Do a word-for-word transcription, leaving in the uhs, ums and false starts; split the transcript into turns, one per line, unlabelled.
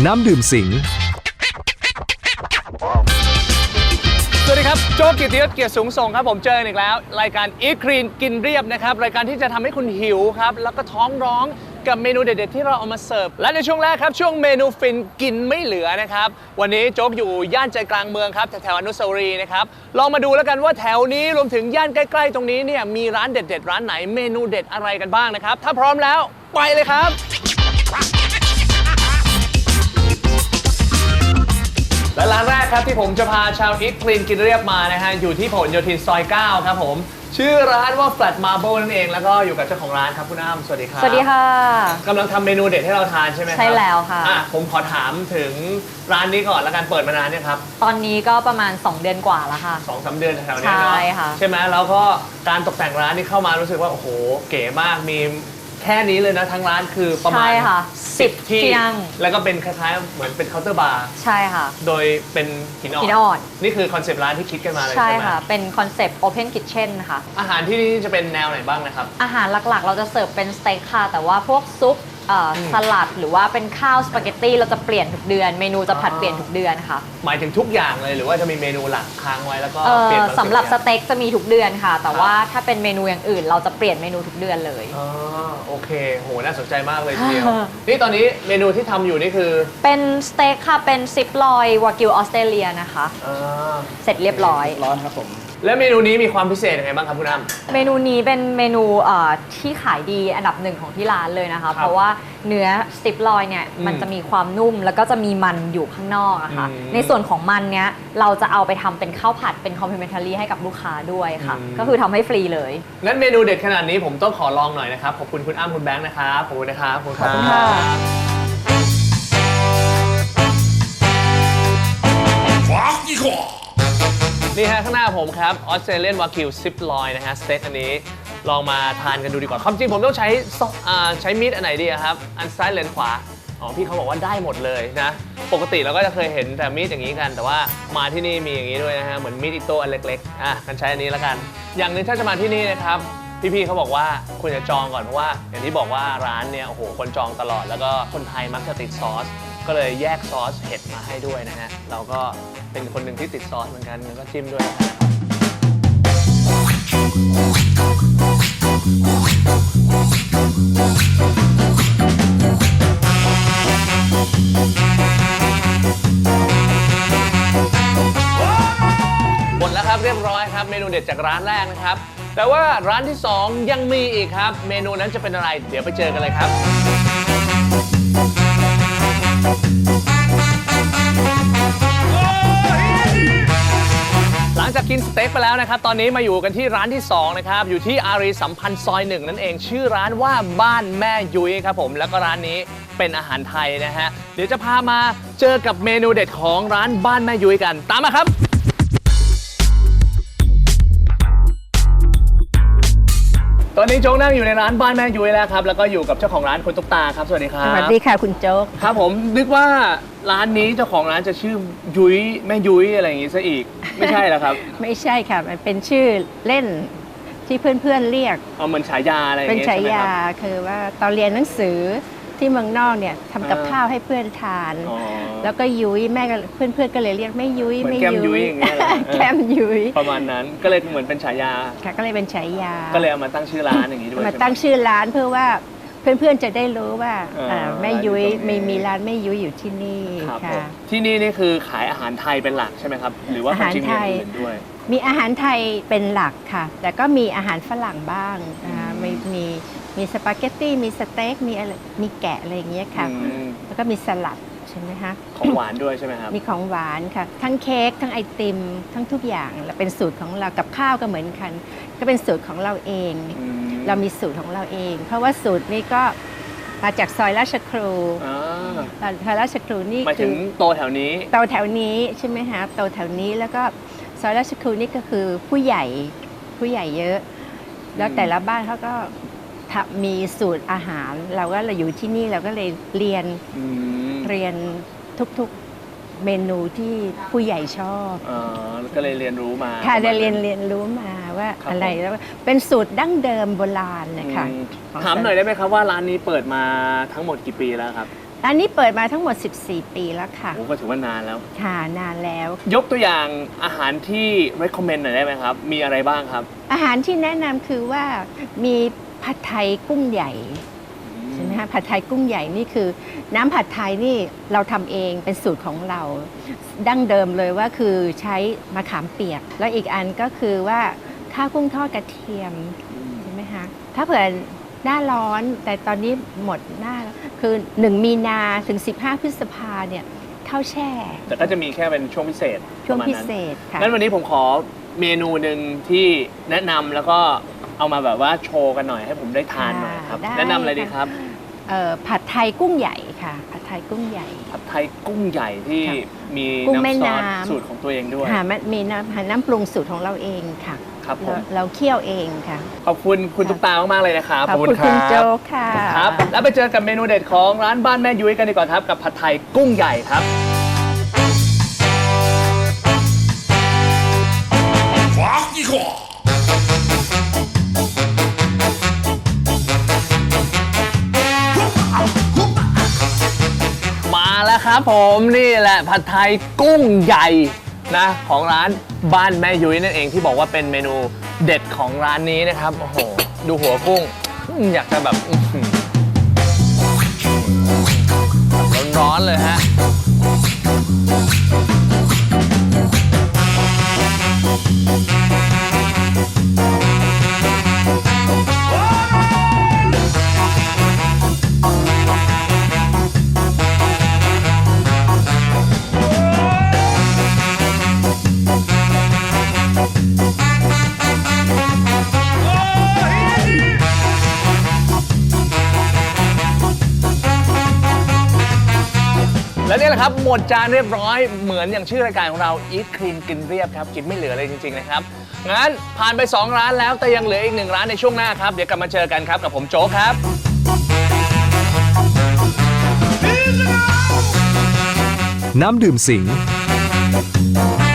น้ำดื่มสิง
สวัสดีครับโจ๊ก กิตติยศ เกียรติสูงส่งครับผมเจออีกแล้วรายการ Eat Clean กินเรียบนะครับรายการที่จะทำให้คุณหิวครับแล้วก็ท้องร้องกับเมนูเด็ดๆที่เราเอามาเสิร์ฟและในช่วงแรกครับช่วงเมนูฟินกินไม่เหลือนะครับวันนี้โจ๊กอยู่ย่านใจกลางเมืองครับแถวๆอนุสาวรีย์นะครับลองมาดูแล้วกันว่าแถวนี้รวมถึงย่านใกล้ๆตรงนี้เนี่ยมีร้านเด็ดๆร้านไหนเมนูเด็ดอะไรกันบ้างนะครับถ้าพร้อมแล้วไปเลยครับและร้านแรกครับที่ผมจะพาชาวอีทคลีนกินเรียบมานะฮะอยู่ที่ผลโยธินซอยเก้าครับผมชื่อร้านว่า Flat Marble นั่นเองแล้วก็อยู่กับเจ้าของร้านครับคุณอ้ำสวัสดีครับ
สวัสดีค่ะ
กำลังทำเมนูเด็ดให้เราทานใช่ไหมครับ
ใช่แล้วค่ะ
อ่ะผมขอถามถึงร้านนี้ก่อนแล้วกันเปิดมานานเนี่ยครับ
ตอนนี้ก็ประมาณสองเดือนกว่าแล้วค่ะ
สองสามเดือนแถวๆนี้เนาะ
ใช่ค่ะ
ใช่ไหมแล้วก็การตกแต่งร้านนี่เข้ามารู้สึกว่าโอ้โหเก๋มากมีแค่นี้เลยนะทั้งร้านคือประมาณ
สิบ
ที่
ที่นั่ง
แล้วก็เป็นคล้ายๆเหมือนเป็นเคาน์เตอร์บาร์
ใช่ค่ะ
โดยเป็นหินอ่อน
หินอ่อน
นี่คือคอนเซปต์ร้านที่คิดกันมาเลยใช่ไหม
ใช่ค่ะเป็นคอนเซปต์ Open Kitchen ค่ะ
อาหารที่นี่จะเป็นแนวไหนบ้างนะครับ
อาหารหลักๆเราจะเสิร์ฟเป็นสเต็กค่ะแต่ว่าพวกซุปสลัดหรือว่าเป็นข้าวสปาเกตตี้เราจะเปลี่ยนทุกเดือนเมนูจะผัดเปลี่ยนทุกเดือนค่ะ
หมายถึงทุกอย่างเลยหรือว่าจะมีเมนูหลักค้างไว้แล้วก็
เปลี่ยนสำหรับสเต็กจะมีทุกเดือนค่ะแต่ว่าถ้าเป็นเมนูอย่างอื่นเราจะเปลี่ยนเมนูทุกเดือนเลย
อ๋อโอเคโหน่าสนใจมากเลยทีเดียวนี่ตอนนี้เมนูที่ทำอยู่นี่คือ
เป็นสเต็กค่ะเป็นซิปลอยวากิวออสเตรเลียนะคะเสร็จเรียบร้อย
ร้อนครับผมแล้วเมนูนี้มีความพิเศษยังไงบ้างครับคุณอ้ำ
เมนูนี้เป็นเมนูที่ขายดีอันดับหนึ่งของที่ร้านเลยนะคะเพราะว่าเนื้อสติปลอยเนี่ยมันจะมีความนุ่มแล้วก็จะมีมันอยู่ข้างนอกอะค่ะในส่วนของมันเนี้ยเราจะเอาไปทำเป็นข้าวผัดเป็นคอมพลีเมนทารีให้กับลูกค้าด้วยค่ะก็คือทำให้ฟรีเลย
งั้นเมนูเด็ดขนาดนี้ผมต้องขอลองหน่อยนะครับขอบคุณคุณอ้ำคุณแบงค์นะครับขอบคุณนะครับขอบคุณค่ะนี่ฮะข้างหน้าผมครับออสเตรเลียนวากิวซิปลอยนะฮะสเต็กอันนี้ลองมาทานกันดูดีกว่าความจริงผมต้องใช้ใช้มีดอันไหนดีครับอันซ้ายหรือขวาอ๋อพี่เขาบอกว่าได้หมดเลยนะปกติเราก็จะเคยเห็นแต่มีดอย่างนี้กันแต่ว่ามาที่นี่มีอย่างนี้ด้วยนะฮะเหมือนมีดอิโต้อันเล็กๆอ่ะกันใช้อันนี้แล้วกันอย่างหนึ่งถ้าจะมาที่นี่นะครับพี่ๆเขาบอกว่าคุณจะจองก่อนเพราะว่าอย่างที่บอกว่าร้านเนี่ยโอ้โหคนจองตลอดแล้วก็คนไทยมักจะติดซอสก็เลยแยกซอสเห็ดมาให้ด้วยนะฮะเราก็เป็นคนหนึ่งที่ติดซอสเหมือนกันก็จิ้มด้วยนะครับหมดแล้วครับเรียบร้อยครับเมนูเด็ดจากร้านแรกนะครับแต่ว่าร้านที่สองยังมีอีกครับเมนูนั้นจะเป็นอะไรเดี๋ยวไปเจอกันเลยครับหลังจากกินสเต็กไปแล้วนะครับตอนนี้มาอยู่กันที่ร้านที่สองนะครับอยู่ที่อารีสัมพันธ์ซอยหนึ่งนั่นเองชื่อร้านว่าบ้านแม่ยุ้ยครับผมแล้วก็ร้านนี้เป็นอาหารไทยนะฮะเดี๋ยวจะพามาเจอกับเมนูเด็ดของร้านบ้านแม่ยุ้ยกันตามมาครับตอนนี้โจ๊กนั่งอยู่ในร้านบ้านแม่ยุ้ยแล้วครับแล้วก็อยู่กับเจ้าของร้านคุณตุ๊กตาครับสวัสดีครับ
สวัสดีค่ะคุณโจ๊ก
ครับผมนึกว่าร้านนี้เจ้าของร้านจะชื่อยุ้ยแม่ยุ้ยอะไรอย่างงี้ซะอีกไม่ใช่เหรอครับ
ไม่ใช่ค่ะมันเป็นชื่อเล่นที่เพื่อนๆเรียก
เอาเหมือนฉายาอะไรอย่าง
เงี้ยเป็นฉายาคือว่าตอนเรียนหนังสือที่เมืองนอกเนี่ยทำกับข้าวให้เพื่อนทานแล้วก็ยุ้ยแม่ก็เพื่อนๆก็เลยเรียกแม่ยุ้ย
ไม่ยุ้ยอย่างเงี้ย
แก้มยุ้ย
ประมาณนั้นก็เลยเหมือนเป็นฉายา
ค่ะก็เลยเป็นฉายา
ก็เลยเอามาตั้งชื่อร้านอย่างนี้ด้วย
มาตั้งชื่อร้านเพื่อว่าเพื่อนๆจะได้รู้ว่าแม่ยุ้ยมีมีร้านแม่ยุ้ยอยู่ที่นี่ค่ะ
ที่นี่นี่คือขายอาหารไทยเป็นหลักใช่ไหมครับหรือว่าอาหารไทยด้วย
มีอาหารไทยเป็นหลักค่ะแต่ก็มีอาหารฝรั่งบ้างนะคะมีมีมีสปาเกตตี้มีสเต็กมีอะไรมีแกะอะไรอย่างเงี้ยค่ะแล้วก็มีสลัดใช่ไหมคะ
ของหวานด้วยใช่ไหมครับ
มีของหวานค่ะทั้งเค้กทั้งไอติมทั้งทุกอย่างและเป็นสูตรของเรากับข้าวก็เหมือนกันก็เป็นสูตรของเราเองเรามีสูตรของเราเองเพราะว่าสูตรนี้ก็มาจากซอยราชครูซอยราชครูนี่
หมายถึงโตแถวนี้
โตแถวนี้ใช่ไหมคะโตแถวนี้แล้วก็ซอยราชครูนี่ก็คือผู้ใหญ่ผู้ใหญ่เยอะแล้วแต่ละบ้านเขาก็มีสูตรอาหารเราก็เราอยู่ที่นี่เราก็เลยเรียนเรียนทุกๆเมนูที่ผู้ใหญ่ชอบ
อ๋อก็เลยเรียนรู้มา
ค่ะได้เรียนเรียนรู้มาว่าอะไรแล้วเป็นสูตรดั้งเดิมโบราณนะคะ
ถามหน่อยได้ไหมครับว่าร้านนี้เปิดมาทั้งหมดกี่ปีแล้วครับ
ร้านนี้เปิดมาทั้งหมด สิบสี่ ปีแล้วค่ะ
โอ้ก็ถือว่านานแล้ว
ค่ะนานแล้ว
ยกตัวอย่างอาหารที่ recommend หน่อยได้ไหมครับ มีอะไรบ้างครับ
อาหารที่แนะนำคือว่ามีผัดไทยกุ้งใหญ่ใช่ไหมคะผัดไทยกุ้งใหญ่นี่คือ น้ำผัดไทยนี่เราทำเองเป็นสูตรของเรา ดั้งเดิมเลยว่าคือใช้มะขามเปียก แล้วอีกอันก็คือว่าข้าวกุ้งทอดกระเทียมใช่ไหมคะถ้าเผื่อหน้าร้อนแต่ตอนนี้หมดหน้าแล้วคือหนึ่งมีนาถึงสิบห้าพฤษภาเนี่ยข้าวแช่
แต่ก็จะมีแค่เป็นช่วงพิเศษ
ช่วง
ประมาณ
พิ
นั้น
เศษค่ะ
งั้นวันนี้ผมขอเมนูหนึ่งที่แนะนำแล้วก็เอามาแบบว่าโชว์กันหน่อยให้ผมได้ทานหน่อยครับ
ได้
แนะนำอะไรดีครับ
เอ่อผัดไทยกุ้งใหญ่ค่ะ ผัดไทยกุ้งใหญ่
ผัดไทยกุ้งใหญ่ที่
ค่ะ
มี
กุ้งแม่
น้ำซอส
น้ำ
สูตรของตัวเองด้วย
ค่ะมันมีน้ำน้ำปรุงสูตรของเราเองค่ะ
ครับผ
เรา
ม
เราเคี่ยวเองค่ะ
ขอบคุณคุณตุ๊กตามากๆเลยนะครับ
ขอบคุณคุณโจกค่ะ
ครับ แล้วไปเจอกับเมนูเด็ดของร้านบ้านแม่ยุ้ยกันดีกว่าครับกับผัดไทยกุ้งใหญ่ครับ มาแล้วครับผมนี่แหละผัดไทยกุ้งใหญ่นะของร้านบ้านแม่ยุ้ยนั่นเองที่บอกว่าเป็นเมนูเด็ดของร้านนี้นะครับโอ้โหดูหัวกุ้งอืมอยากจะแบบอื้อหือร้อนๆเลยฮะและนี่แหละครับหมดจานเรียบร้อยเหมือนอย่างชื่อรายการของเรา Eat Clean กินเรียบครับกินไม่เหลือเลยจริงๆนะครับงั้นผ่านไปสองร้านแล้วแต่ยังเหลืออีกหนึ่งร้านในช่วงหน้าครับเดี๋ยวกลับมาเจอกันครับกับผมโจ๊กครับ
น้ำดื่มสิง